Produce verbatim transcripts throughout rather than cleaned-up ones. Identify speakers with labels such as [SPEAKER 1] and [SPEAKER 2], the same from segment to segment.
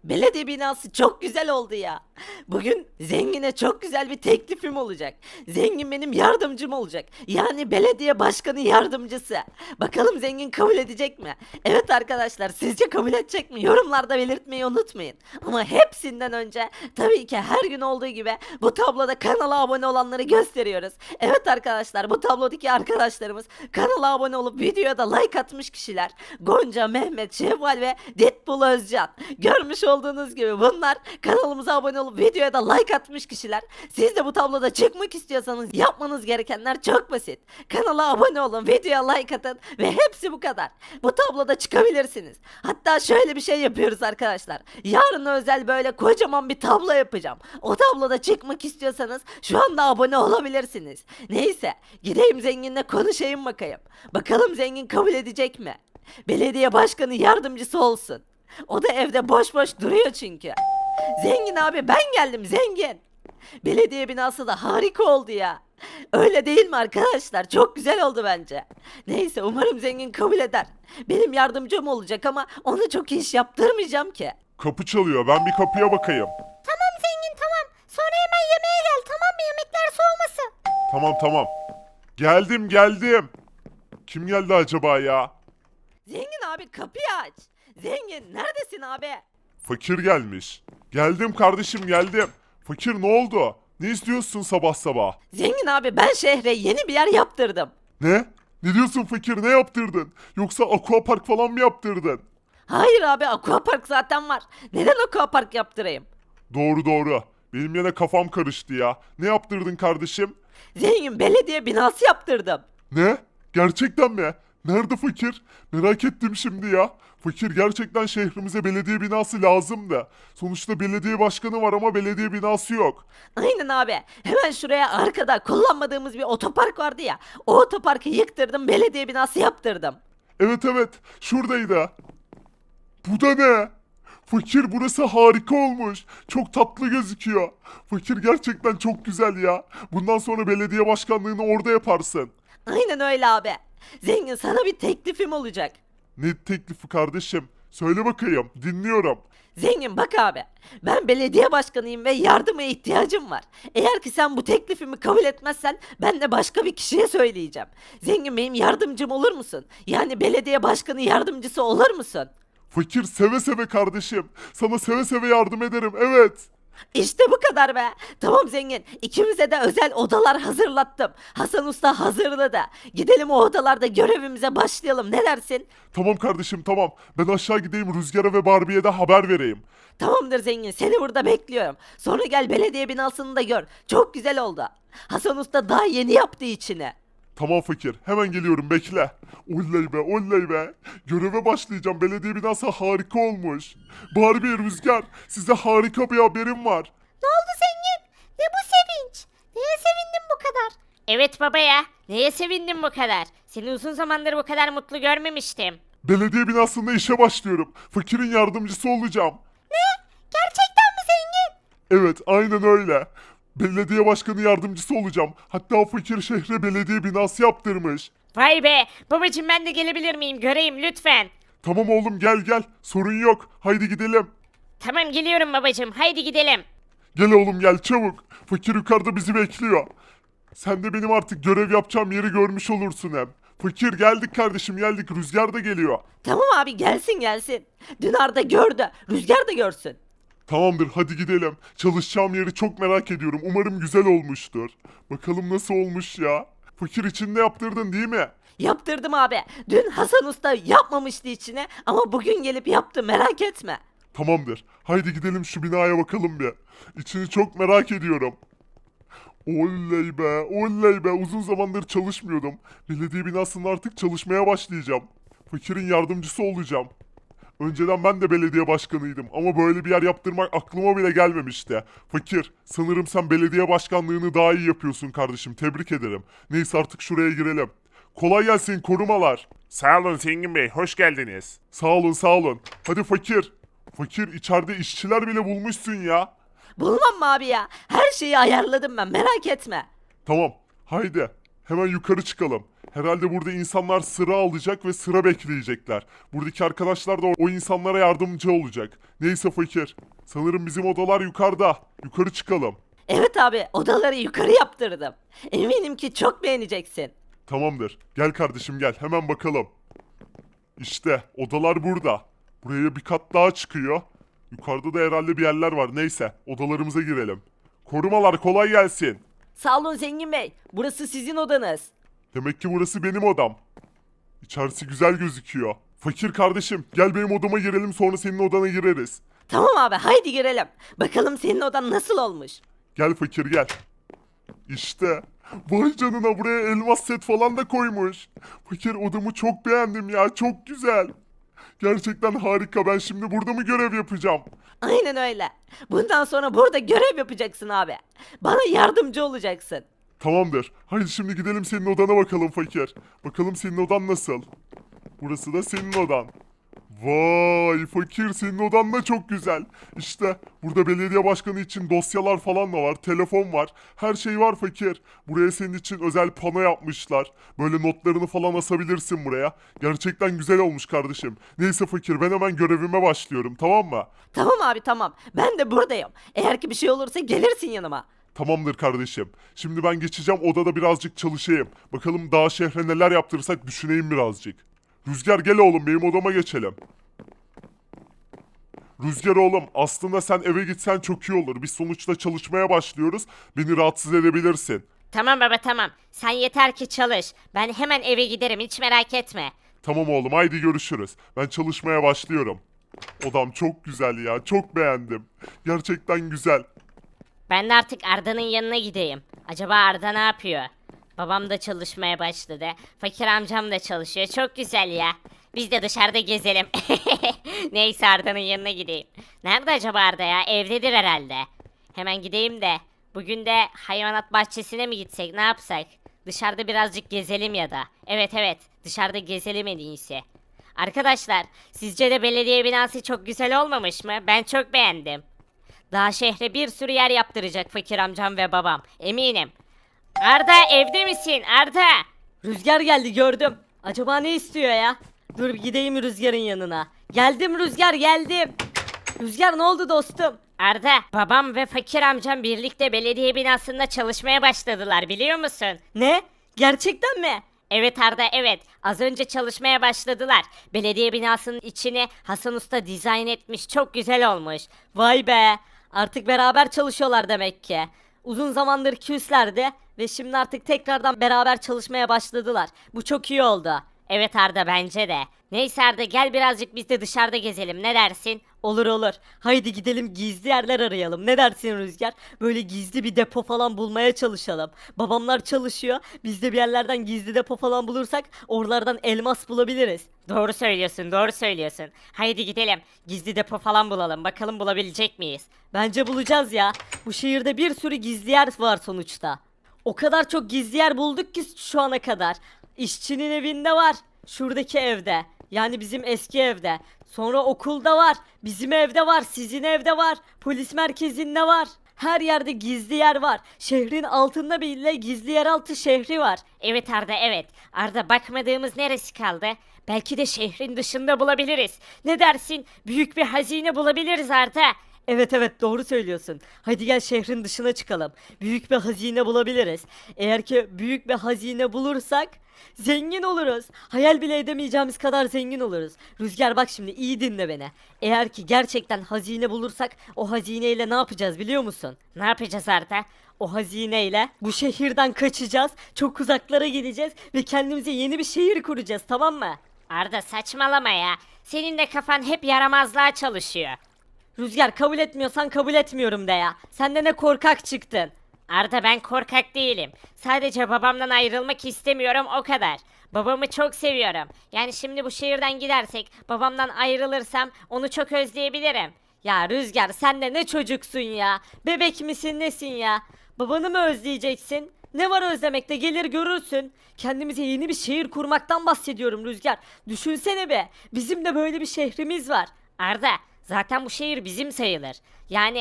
[SPEAKER 1] Belediye binası çok güzel oldu ya. Bugün zengine çok güzel bir teklifim olacak. Zengin benim yardımcım olacak. Yani belediye başkanı yardımcısı. Bakalım zengin kabul edecek mi? Evet arkadaşlar, sizce kabul edecek mi? Yorumlarda belirtmeyi unutmayın. Ama hepsinden önce tabii ki her gün olduğu gibi bu tabloda kanala abone olanları gösteriyoruz. Evet arkadaşlar, bu tablodaki arkadaşlarımız kanala abone olup videoya da like atmış kişiler. Gonca, Mehmet, Şevval ve Deadpool Özcan. Görmüş olduğunuz gibi bunlar kanalımıza abone olup videoya da like atmış kişiler. Siz de bu tabloda çıkmak istiyorsanız yapmanız gerekenler çok basit. Kanala abone olun, videoya like atın ve hepsi bu kadar. Bu tabloda çıkabilirsiniz. Hatta şöyle bir şey yapıyoruz arkadaşlar. Yarın özel böyle kocaman bir tablo yapacağım. O tabloda çıkmak istiyorsanız şu anda abone olabilirsiniz. Neyse, gideyim zenginle konuşayım bakayım. Bakalım zengin kabul edecek mi? Belediye başkanı yardımcısı olsun. O da evde boş boş duruyor çünkü. Zengin abi, ben geldim zengin. Belediye binası da harika oldu ya. Öyle değil mi arkadaşlar? Çok güzel oldu bence. Neyse, umarım zengin kabul eder. Benim yardımcım olacak ama ona çok iş yaptırmayacağım ki.
[SPEAKER 2] Kapı çalıyor. Ben bir kapıya bakayım.
[SPEAKER 3] Tamam zengin tamam. Sonra hemen yemeğe gel tamam mı? Yemekler soğumasın.
[SPEAKER 2] Tamam tamam. Geldim geldim. Kim geldi acaba ya?
[SPEAKER 1] Zengin abi, kapıyı aç. Zengin neredesin abi?
[SPEAKER 2] Fakir gelmiş. Geldim kardeşim geldim. Fakir ne oldu? Ne istiyorsun sabah sabah?
[SPEAKER 1] Zengin abi, ben şehre yeni bir yer yaptırdım.
[SPEAKER 2] Ne? Ne diyorsun fakir, ne yaptırdın? Yoksa aquapark falan mı yaptırdın?
[SPEAKER 1] Hayır abi, aquapark zaten var. Neden aquapark yaptırayım?
[SPEAKER 2] Doğru doğru. Benim yine kafam karıştı ya. Ne yaptırdın kardeşim?
[SPEAKER 1] Zengin, belediye binası yaptırdım.
[SPEAKER 2] Ne? Gerçekten mi? Nerede fakir? Merak ettim şimdi ya. Fakir, gerçekten şehrimize belediye binası lazım da. Sonuçta belediye başkanı var ama belediye binası yok.
[SPEAKER 1] Aynen abi. Hemen şuraya arkada kullanmadığımız bir otopark vardı ya. O otoparkı yıktırdım, belediye binası yaptırdım.
[SPEAKER 2] Evet evet, şuradaydı. Bu da ne? Fakir, burası harika olmuş. Çok tatlı gözüküyor. Fakir, gerçekten çok güzel ya. Bundan sonra belediye başkanlığını orada yaparsın.
[SPEAKER 1] Aynen öyle abi. Zengin, sana bir teklifim olacak.
[SPEAKER 2] Ne teklifi kardeşim? Söyle bakayım, dinliyorum.
[SPEAKER 1] Zengin bak abi. Ben belediye başkanıyım ve yardıma ihtiyacım var. Eğer ki sen bu teklifimi kabul etmezsen ben de başka bir kişiye söyleyeceğim. Zengin, benim yardımcım olur musun? Yani belediye başkanı yardımcısı olur musun?
[SPEAKER 2] Fakir, seve seve kardeşim. Sana seve seve yardım ederim, evet.
[SPEAKER 1] İşte bu kadar be. Tamam zengin. İkimize de özel odalar hazırlattım. Hasan Usta hazırladı. Gidelim o odalarda görevimize başlayalım. Ne dersin?
[SPEAKER 2] Tamam kardeşim tamam. Ben aşağı gideyim, Rüzgar'a ve Barbie'ye de haber vereyim.
[SPEAKER 1] Tamamdır zengin. Seni burada bekliyorum. Sonra gel belediye binasını da gör. Çok güzel oldu. Hasan Usta daha yeni yaptı içini.
[SPEAKER 2] Tamam fakir, hemen geliyorum, bekle. Oley be oley be. Göreve başlayacağım, belediye binası harika olmuş. Barbie, Rüzgar, size harika bir haberim var.
[SPEAKER 3] Ne oldu zengin? Ne bu sevinç? Neye sevindin bu kadar?
[SPEAKER 4] Evet baba ya. Neye sevindim bu kadar? Seni uzun zamandır bu kadar mutlu görmemiştim.
[SPEAKER 2] Belediye binasında işe başlıyorum. Fakirin yardımcısı olacağım.
[SPEAKER 3] Gerçekten mi zengin?
[SPEAKER 2] Evet, aynen öyle. Belediye başkanı yardımcısı olacağım. Hatta fakir şehre belediye binası yaptırmış.
[SPEAKER 4] Vay be. Babacım ben de gelebilir miyim? Göreyim lütfen.
[SPEAKER 2] Tamam oğlum, gel gel. Sorun yok. Haydi gidelim.
[SPEAKER 4] Tamam geliyorum babacım. Haydi gidelim.
[SPEAKER 2] Gel oğlum gel çabuk. Fakir yukarıda bizi bekliyor. Sen de benim artık görev yapacağım yeri görmüş olursun hem. Fakir, geldik kardeşim geldik. Rüzgar da geliyor.
[SPEAKER 1] Tamam abi, gelsin gelsin. Dün Arda gördü. Rüzgar da görsün.
[SPEAKER 2] Tamamdır, hadi gidelim. Çalışacağım yeri çok merak ediyorum. Umarım güzel olmuştur. Bakalım nasıl olmuş ya. Fakir, için de yaptırdın değil mi?
[SPEAKER 1] Yaptırdım abi. Dün Hasan Usta yapmamıştı içine ama bugün gelip yaptı, merak etme.
[SPEAKER 2] Tamamdır. Haydi gidelim şu binaya bakalım bir. İçini çok merak ediyorum. Oley be, oley be. Uzun zamandır çalışmıyordum. Belediye binasında artık çalışmaya başlayacağım. Fakirin yardımcısı olacağım. Önceden ben de belediye başkanıydım ama böyle bir yer yaptırmak aklıma bile gelmemişti. Fakir, sanırım sen belediye başkanlığını daha iyi yapıyorsun kardeşim. Tebrik ederim. Neyse, artık şuraya girelim. Kolay gelsin korumalar.
[SPEAKER 5] Sağ olun Zengin Bey, hoş geldiniz.
[SPEAKER 2] Sağ olun sağ olun. Hadi fakir. Fakir, içeride işçiler bile bulmuşsun ya.
[SPEAKER 1] Bulmam mı abi ya? Her şeyi ayarladım ben, merak etme.
[SPEAKER 2] Tamam, haydi. Hemen yukarı çıkalım. Herhalde burada insanlar sıra alacak ve sıra bekleyecekler. Buradaki arkadaşlar da o insanlara yardımcı olacak. Neyse fakir. Sanırım bizim odalar yukarıda. Yukarı çıkalım.
[SPEAKER 1] Evet abi, odaları yukarı yaptırdım. Eminim ki çok beğeneceksin.
[SPEAKER 2] Tamamdır. Gel kardeşim gel. Hemen bakalım. İşte odalar burada. Buraya bir kat daha çıkıyor. Yukarıda da herhalde bir yerler var. Neyse odalarımıza girelim. Korumalar kolay gelsin.
[SPEAKER 1] Sağ olun Zengin Bey. Burası sizin odanız.
[SPEAKER 2] Demek ki burası benim odam. İçerisi güzel gözüküyor. Fakir kardeşim gel benim odama girelim sonra senin odana gireriz.
[SPEAKER 1] Tamam abi, haydi girelim. Bakalım senin odan nasıl olmuş.
[SPEAKER 2] Gel fakir gel. İşte. Vay canına buraya elmas set falan da koymuş. Fakir odamı çok beğendim ya çok güzel. Gerçekten harika ben şimdi burada mı görev yapacağım?
[SPEAKER 1] Aynen öyle. Bundan sonra burada görev yapacaksın abi. Bana yardımcı olacaksın.
[SPEAKER 2] Tamamdır. Haydi şimdi gidelim senin odana bakalım fakir. Bakalım senin odan nasıl? Burası da senin odan. Vay fakir senin odan da çok güzel. İşte burada belediye başkanı için dosyalar falan da var. Telefon var. Her şey var fakir. Buraya senin için özel pano yapmışlar. Böyle notlarını falan asabilirsin buraya. Gerçekten güzel olmuş kardeşim. Neyse fakir ben hemen görevime başlıyorum tamam mı?
[SPEAKER 1] Tamam abi tamam. Ben de buradayım. Eğer ki bir şey olursa gelirsin yanıma.
[SPEAKER 2] Tamamdır kardeşim. Şimdi ben geçeceğim odada birazcık çalışayım. Bakalım daha şehre neler yaptırırsak düşüneyim birazcık. Rüzgar gel oğlum benim odama geçelim. Rüzgar oğlum aslında sen eve gitsen çok iyi olur. Biz sonuçta çalışmaya başlıyoruz. Beni rahatsız edebilirsin.
[SPEAKER 4] Tamam baba tamam. Sen yeter ki çalış. Ben hemen eve giderim hiç merak etme.
[SPEAKER 2] Tamam oğlum haydi görüşürüz. Ben çalışmaya başlıyorum. Odam çok güzel ya çok beğendim. Gerçekten güzel.
[SPEAKER 4] Ben de artık Arda'nın yanına gideyim. Acaba Arda ne yapıyor? Babam da çalışmaya başladı. Fakir amcam da çalışıyor. Çok güzel ya. Biz de dışarıda gezelim. Neyse Arda'nın yanına gideyim. Nerede acaba Arda ya? Evdedir herhalde. Hemen gideyim de. Bugün de hayvanat bahçesine mi gitsek ne yapsak? Dışarıda birazcık gezelim ya da. Evet evet dışarıda gezelim en iyisi. Arkadaşlar sizce de belediye binası çok güzel olmamış mı? Ben çok beğendim. Daha şehre bir sürü yer yaptıracak fakir amcam ve babam. Eminim. Arda evde misin? Arda!
[SPEAKER 1] Rüzgar geldi gördüm. Acaba ne istiyor ya? Dur gideyim Rüzgar'ın yanına. Geldim Rüzgar geldim. Rüzgar ne oldu dostum?
[SPEAKER 4] Arda, babam ve fakir amcam birlikte belediye binasında çalışmaya başladılar biliyor musun?
[SPEAKER 1] Ne? Gerçekten mi?
[SPEAKER 4] Evet Arda evet. Az önce çalışmaya başladılar. Belediye binasının içini Hasan Usta dizayn etmiş. Çok güzel olmuş.
[SPEAKER 1] Vay be. Artık beraber çalışıyorlar demek ki. Uzun zamandır küslerdi ve şimdi artık tekrardan beraber çalışmaya başladılar. Bu çok iyi oldu.
[SPEAKER 4] Evet Arda bence de. Neyse Arda gel birazcık biz de dışarıda gezelim. Ne dersin?
[SPEAKER 1] Olur olur. Haydi gidelim gizli yerler arayalım. Ne dersin Rüzgar? Böyle gizli bir depo falan bulmaya çalışalım. Babamlar çalışıyor. Biz de bir yerlerden gizli depo falan bulursak oralardan elmas bulabiliriz.
[SPEAKER 4] Doğru söylüyorsun, doğru söylüyorsun. Haydi gidelim. Gizli depo falan bulalım. Bakalım bulabilecek miyiz?
[SPEAKER 1] Bence bulacağız ya. Bu şehirde bir sürü gizli yer var sonuçta. O kadar çok gizli yer bulduk ki şu ana kadar. İşçinin evinde var. Şuradaki evde. Yani bizim eski evde. Sonra okulda var. Bizim evde var. Sizin evde var. Polis merkezinde var. Her yerde gizli yer var. Şehrin altında bile gizli yeraltı şehri var.
[SPEAKER 4] Evet Arda evet. Arda bakmadığımız neresi kaldı? Belki de şehrin dışında bulabiliriz. Ne dersin? Büyük bir hazine bulabiliriz Arda.
[SPEAKER 1] Evet evet doğru söylüyorsun. Hadi gel şehrin dışına çıkalım. Büyük bir hazine bulabiliriz. Eğer ki büyük bir hazine bulursak zengin oluruz. Hayal bile edemeyeceğimiz kadar zengin oluruz. Rüzgar bak şimdi iyi dinle beni. Eğer ki gerçekten hazine bulursak o hazineyle ne yapacağız biliyor musun?
[SPEAKER 4] Ne yapacağız Arda?
[SPEAKER 1] O hazineyle bu şehirden kaçacağız. Çok uzaklara gideceğiz ve kendimize yeni bir şehir kuracağız tamam mı?
[SPEAKER 4] Arda saçmalama ya. Senin de kafan hep yaramazlığa çalışıyor.
[SPEAKER 1] Rüzgar kabul etmiyorsan kabul etmiyorum de ya. Sen de ne korkak çıktın.
[SPEAKER 4] Arda ben korkak değilim. Sadece babamdan ayrılmak istemiyorum o kadar. Babamı çok seviyorum. Yani şimdi bu şehirden gidersek babamdan ayrılırsam onu çok özleyebilirim.
[SPEAKER 1] Ya Rüzgar sen de ne çocuksun ya. Bebek misin nesin ya? Babanı mı özleyeceksin? Ne var özlemekte gelir görürsün. Kendimize yeni bir şehir kurmaktan bahsediyorum Rüzgar. Düşünsene be. Bizim de böyle bir şehrimiz var.
[SPEAKER 4] Arda zaten bu şehir bizim sayılır. Yani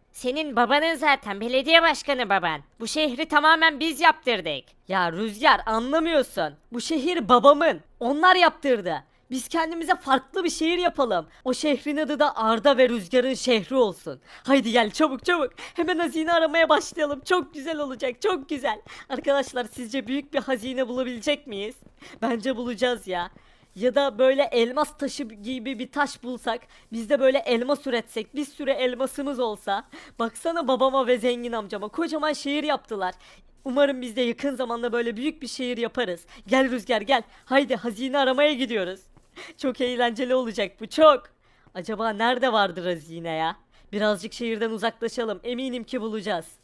[SPEAKER 4] Senin babanın zaten belediye başkanı baban. Bu şehri tamamen biz yaptırdık.
[SPEAKER 1] Ya Rüzgar anlamıyorsun. Bu şehir babamın. Onlar yaptırdı. Biz kendimize farklı bir şehir yapalım. O şehrin adı da Arda ve Rüzgar'ın şehri olsun. Haydi gel çabuk çabuk. Hemen hazine aramaya başlayalım. Çok güzel olacak, çok güzel. Arkadaşlar sizce büyük bir hazine bulabilecek miyiz? Bence bulacağız ya. Ya da böyle elmas taşı gibi bir taş bulsak, biz de böyle elmas üretsek, bir sürü elmasımız olsa. Baksana babama ve zengin amcama kocaman şehir yaptılar. Umarım biz de yakın zamanda böyle büyük bir şehir yaparız. Gel Rüzgar gel. Haydi hazine aramaya gidiyoruz. Çok eğlenceli olacak bu çok. Acaba nerede vardır hazine ya? Birazcık şehirden uzaklaşalım. Eminim ki bulacağız.